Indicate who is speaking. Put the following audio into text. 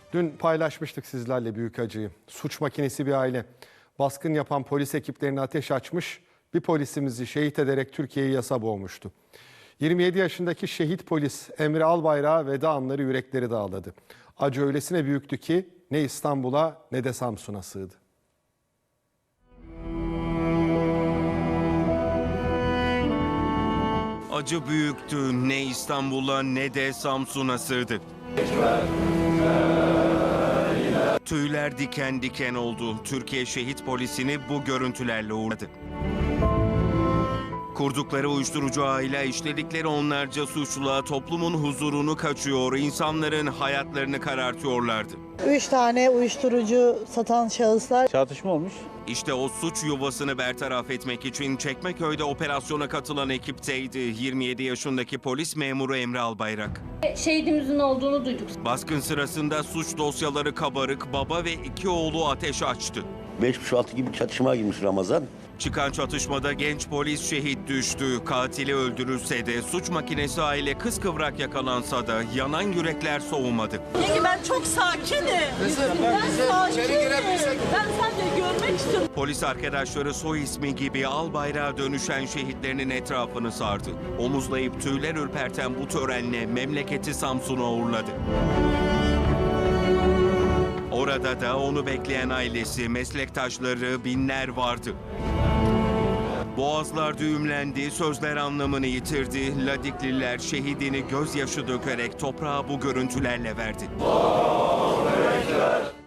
Speaker 1: Dün paylaşmıştık sizlerle büyük acıyı. Suç makinesi bir aile. Baskın yapan polis ekiplerine ateş açmış, bir polisimizi şehit ederek Türkiye'yi yasa boğmuştu. 27 yaşındaki şehit polis Emre Albayrak'a veda anları yürekleri dağladı. Acı öylesine büyüktü ki ne İstanbul'a ne de Samsun'a sığdı.
Speaker 2: Acı büyüktü, ne İstanbul'a ne de Samsun'a sığdı. Tüyler diken diken oldu. Türkiye şehit polisini bu görüntülerle uğurladı. Kurdukları uyuşturucu ağıyla işledikleri onlarca suçla toplumun huzurunu kaçıyor, insanların hayatlarını karartıyorlardı.
Speaker 3: 3 tane uyuşturucu satan şahıslar.
Speaker 4: Çatışma olmuş.
Speaker 2: İşte o suç yuvasını bertaraf etmek için Çekmeköy'de operasyona katılan ekipteydi 27 yaşındaki polis memuru Emre Albayrak.
Speaker 5: Şehidimizin olduğunu duyduk.
Speaker 2: Baskın sırasında suç dosyaları kabarık, baba ve 2 oğlu ateş açtı.
Speaker 6: 5.30-6 gibi çatışmaya girmiş Ramazan.
Speaker 2: Çıkan çatışmada genç polis şehit düştü. Katili öldürülse de suç makinesi aile kıskıvrak yakalansa da yanan yürekler soğumadı.
Speaker 7: Yenge ben çok sakinim. Ben sakinim. Ben seni görmek istiyorum.
Speaker 2: Polis arkadaşları soy ismi gibi Albayrak'a dönüşen şehitlerinin etrafını sardı. Omuzlayıp tüyler ürperten bu törenle memleketi Samsun'a uğurladı. Orada da onu bekleyen ailesi, meslektaşları, binler vardı. Boğazlar düğümlendi, sözler anlamını yitirdi. Ladikliler şehidini gözyaşı dökerek toprağa bu görüntülerle verdi.